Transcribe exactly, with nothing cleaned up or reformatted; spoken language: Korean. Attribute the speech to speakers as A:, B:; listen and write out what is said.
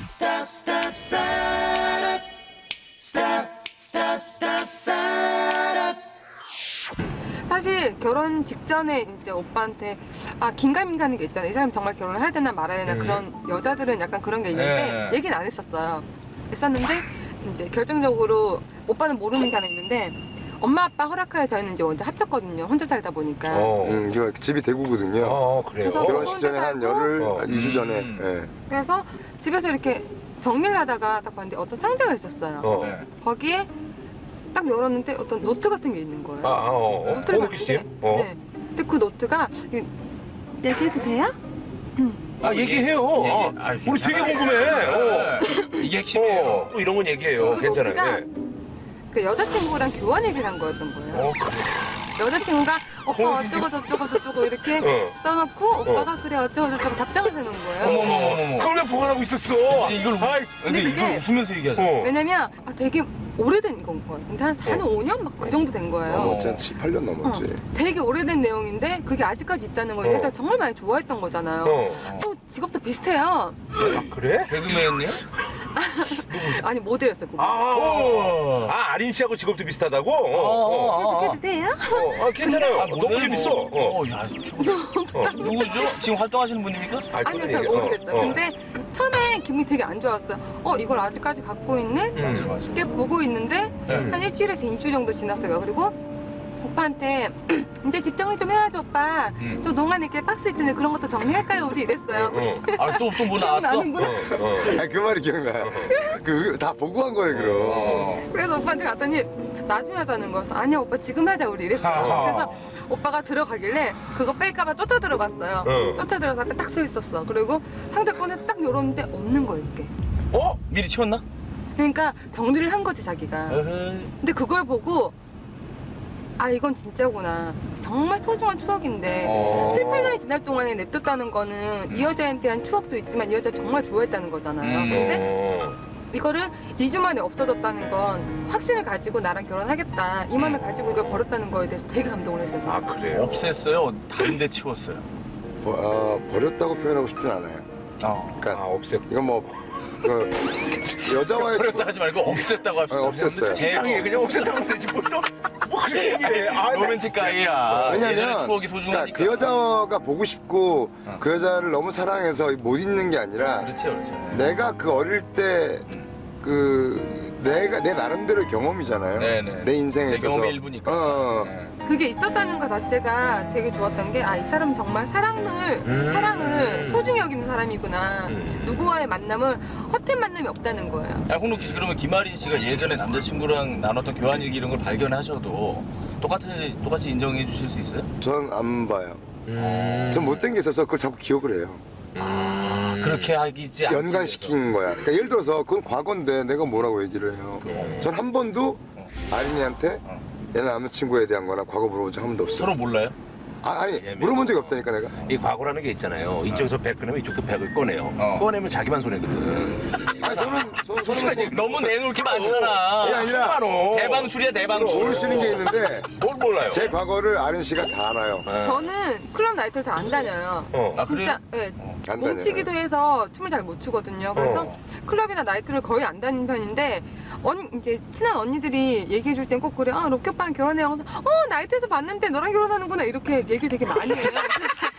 A: stop, stop, start up. Stop, stop, stop, start up.
B: 사실 결혼 직전에 이제 오빠한테 아 긴가민가 가는 게 있잖아요. 이 사람 정말 결혼을 해야 되나 말아야 되나
C: 음.
B: 그런 여자들은 약간 그런 게 있는데
C: 네.
B: 얘기는 안 했었어요. 했었는데 이제 결정적으로 오빠는 모르는 게 하나 있는데 엄마 아빠 허락하에 저희는 이제 먼저 합쳤거든요. 혼자 살다 보니까.
C: 어,
D: 음, 이거 집이 대구거든요.
C: 어 그래요.
B: 그래서
D: 결혼식 전에 한 열흘,
C: 어.
D: 이 주 전에.
C: 음.
D: 예.
B: 그래서 집에서 이렇게 정리를 하다가 딱 봤는데 어떤 상자가 있었어요.
C: 어.
E: 네.
B: 거기에 딱 열었는데 어떤 노트 같은 게 있는 거예요.
C: 아, 아, 어, 어.
B: 노트를
C: 호노키 씨?
B: 봤는데,
C: 어.
B: 네. 근데 그 노트가 이- 얘기해도 돼요?
C: 아, 얘기해요.
E: 얘기-
C: 아,
E: 아,
C: 우리 되게 궁금해. 어.
E: 이게 핵심이에요.
C: 어, 뭐 이런 건 얘기해요.
B: 그
C: 괜찮아요.
B: 노트가
C: 예.
B: 그 여자친구랑 교환 얘기를 한 거였던 거예요.
C: 어, 그래.
B: 여자친구가 오빠
C: 어,
B: 어쩌고 저쩌고 저쩌고 이렇게
C: 어.
B: 써놓고 오빠가 그래 어쩌고 저쩌고 답장을 해놓은 거예요.
E: 어머머머머.
C: 그걸 왜 보관하고 있었어?
E: 이걸
C: 아이,
E: 근데
B: 근데
E: 이걸
B: 그게-
E: 웃으면서 얘기하죠.
C: 어.
B: 왜냐면 아, 되게 오래된 건 거예요. 근데 한 사 년, 오 년 막 그 정도 된 거예요.
C: 어.
D: 한 칠, 팔 년 넘었지.
B: 어, 되게 오래된 내용인데 그게 아직까지 있다는 건
C: 어.
B: 이 여자가 정말 많이 좋아했던 거잖아요.
C: 어.
B: 또 직업도 비슷해요.
C: 아, 그래?
E: 개그맨이요?
B: 아니 모델이었어요. 그거.
C: 아, 어. 아, 아린 씨하고 직업도 비슷하다고? 어, 어.
B: 계속해도 돼요?
C: 어, 아, 괜찮아요.
E: 아,
C: 너무
E: 모델
C: 재밌어.
E: 뭐.
C: 어.
E: 어, 야, 참. 누구죠? 지금 활동하시는 분입니까?
C: 아,
B: 아니요,
C: 그건
B: 잘
C: 얘기-
B: 모르겠어요.
C: 어, 어.
B: 근데 처음에 기분이 되게 안 좋았어요. 어, 이걸 아직까지 갖고 있네?
E: 맞아, 맞아.
B: 이렇게 보고 있는데 한 일주일에서 이 주 정도 지났어요. 그리고 오빠한테 이제 집 정리 좀 해야죠, 오빠. 좀 농안에 이렇게 박스 있던데 그런 것도 정리할까요? 우리 이랬어요.
C: 어.
E: 아, 또, 또 뭐 나왔어?
B: 기억나는구나.
C: 어, 어.
D: 아, 그 말이 기억나요. 그, 다 보고 한 거예요, 그럼.
C: 어.
B: 그래서 오빠한테 갔더니 나중에 하자는 거여서 아니야, 오빠 지금 하자, 우리 이랬어요.
C: 아.
B: 그래서 오빠가 들어가길래 그거 뺄까봐 쫓아 들어봤어요.
C: 어.
B: 쫓아 들어서 앞에 딱 서 있었어. 그리고 상자 꺼내서 딱 열었는데 없는 거예요, 이게.
C: 어?
E: 미리 치웠나?
B: 그러니까 정리를 한 거지, 자기가.
E: 에헤이.
B: 근데 그걸 보고 아 이건 진짜구나. 정말 소중한 추억인데
E: 어.
B: 칠, 팔 년이 지날 동안에 냅뒀다는 거는 이 여자에 대한 추억도 있지만 이 여자 정말 좋아했다는 거잖아요.
E: 음.
B: 근데
C: 어.
B: 이거를 이 주 만에 없어졌다는 건 확신을 가지고 나랑 결혼하겠다 이 마음을 가지고 이걸 버렸다는 거에 대해서 되게 감동을 했어요.
C: 아, 그래요?
E: 없앴어요? 다른 데 치웠어요?
D: 버, 어, 버렸다고 표현하고 싶진 않아요.
E: 어.
C: 아,
D: 그러니까
C: 없앴.
D: 이건 뭐, 그, 여자와의
E: 그렇다 하지 말고 없앴다고 합시다.
D: 어, 없앴어요.
E: 제-
C: 이상해. 그냥 없앴다면 되지. 뭐 또. 뭐 그렇게 얘기해. 아, 나
E: 로맨틱
C: 진짜.
E: 가이야. 예전에
D: 왜냐면
E: 추억이
D: 그러니까
E: 소중하니까.
D: 그 여자가 보고 싶고 그 여자를 너무 사랑해서 못 잊는 게 아니라
E: 그렇지, 그렇지.
D: 내가 그 어릴 때 그 내가 내 나름대로의 경험이잖아요.
E: 네네.
D: 내 인생에
E: 내
D: 있어서.
E: 경험의 일부니까.
D: 어,
B: 그게 있었다는 것 자체가 되게 좋았던 게 아 이 사람은 정말 사랑을
C: 음.
B: 사랑을 소중히 여기는 사람이구나.
C: 음.
B: 누구와의 만남을 헛된 만남이 없다는 거예요.
E: 아, 홍록기 씨, 그러면 김아린 씨가 예전에 남자친구랑 나눴던 교환일기 이런 걸 발견하셔도 똑같이, 똑같이 인정해 주실 수 있어요?
D: 전 안 봐요.
C: 음.
D: 전 못된 게 있어서 그걸 자꾸 기억을 해요.
E: 아, 그렇게 하기지 않기
D: 연관시키는 거야. 그러니까 예를 들어서 그건 과거인데 내가 뭐라고 얘기를 해요. 전 한 번도 아린이한테 얘 남자친구에 대한 거나 과거 물어본 적 한 번도 없어요.
E: 서로 몰라요?
D: 아, 아니 물어본 적이 없다니까 내가.
C: 이 과거라는 게 있잖아요. 이쪽에서 백 꺼내면 이쪽도 백을 꺼내요.
E: 어.
C: 꺼내면 자기만 손해거든.
D: 아니 저는 저는 저는 뭐,
E: 너무 내놓을 게 많잖아.
D: 그게 아니라
C: 많어.
E: 대방출이야, 대방출.
D: 모르시는 게 있는데
C: 뭘 몰라요?
D: 제 과거를 아린 씨가 다 알아요.
C: 네.
B: 저는 클럽 나이트를 잘 안 다녀요.
C: 어.
E: 아,
B: 진짜 예,
D: 안
B: 몸치기도 해서 춤을 잘 못 추거든요. 그래서
C: 어.
B: 클럽이나 나이트를 거의 안 다니는 편인데 언 이제 친한 언니들이 얘기해 줄 땐 꼭 그래. 아 로키 오빠랑 결혼해요. 그래서 어 나이트에서 봤는데 너랑 결혼하는구나 이렇게 얘기를 되게 많이 해요.